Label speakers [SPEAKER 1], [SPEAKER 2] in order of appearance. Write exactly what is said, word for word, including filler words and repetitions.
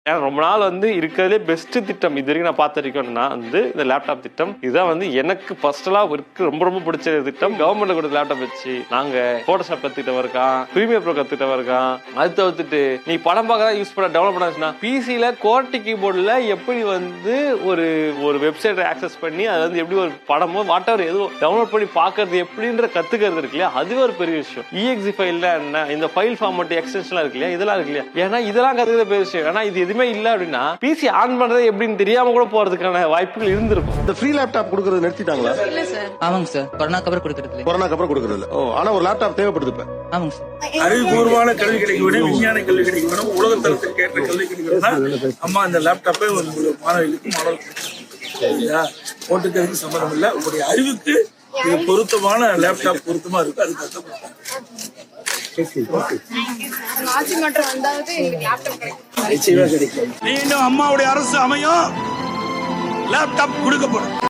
[SPEAKER 1] ஏன்னா ரொம்ப நாள் வந்து இருக்கிறதுலே பெஸ்ட் திட்டம் இது வரைக்கும் நான் பார்த்திருக்கேன்னா வந்து இந்த லேப்டாப் திட்டம். இதுதான் வந்து எனக்கு பர்சனலா இருக்கு ரொம்ப ரொம்ப பிடிச்ச திட்டம். கவர்மெண்ட்ல கொடுத்த லேப்டாப் வச்சு நாங்க போட்டோஷாப் கத்துக்கிட்ட இருக்கான், பிரீமியர் ப்ரோ கத்துக்கிட்ட இருக்கான். அது தவிர்த்துட்டு நீ படம் பார்க்க யூஸ் பண்ண டெவலப் பண்ணா பிசில கோர்ட்டி கீபோர்ட்ல எப்படி வந்து ஒரு ஒரு வெப்சைட்டை ஆக்சஸ் பண்ணி அது வந்து எப்படி ஒரு படமோ வாட் எவர் எதுவும் டவுன்லோட் பண்ணி பாக்குறது எப்படின்ற கத்துக்கிறது இருக்கு இல்லையா, அதுவே ஒரு பெரிய விஷயம். இஎக்ஸி ஃபைல்ல என்ன இந்த ஃபைல் ஃபார்மட் எக்ஸ்டென்ஷன்லாம் இருக்கு இல்லையா, இதெல்லாம் இருக்கு இல்லையா, ஏன்னா இதெல்லாம் கத்துக்கிறது பெரிய விஷயம். ஏன்னா இது எதுவுமே இல்ல அப்படின்னா பிசி ஆன் பண்றது எப்படின்னு தெரியாம கூட போறதுக்கான வாய்ப்புகள் இருந்திருக்கும்.
[SPEAKER 2] இந்த ஃப்ரீ லேப்டாப் கொடுக்கறது நிறுத்திட்டாங்களா?
[SPEAKER 3] இல்ல சார்.
[SPEAKER 4] ஆமாங்க சார், கொரோனாக்கு அப்புறம் கொடுக்கறது இல்ல.
[SPEAKER 2] கொரோனாக்கு அப்புறம் கொடுக்கறது இல்ல. ஓ, ஆனா ஒரு லேப்டாப் தேவைப்படுது இப்ப.
[SPEAKER 4] ஆமாங்க சார்.
[SPEAKER 5] அறிவுபூர்வமான கல்வி கிடைக்க வேணும், விஞ்ஞான கல்வி கிடைக்க வேணும், உலக தரத்திற்கு ஏற்ற கல்வி கிடைக்கணும்னா அம்மா இந்த லேப்டாப்பை ஒரு மாணவர்களுக்கு மாணவர்களுக்கு போட்டுக்கிறதுக்கு சம்மந்தம் இல்லை. உங்களுடைய அறிவுக்கு இது பொருத்தமான லேப்டாப் பொருத்தமா இருக்கு, அது கஷ்டப்பட்டாங்க. மீண்டும் அம்மாவுடைய அரசு அமையும், லேப்டாப் கொடுக்கப்படும்.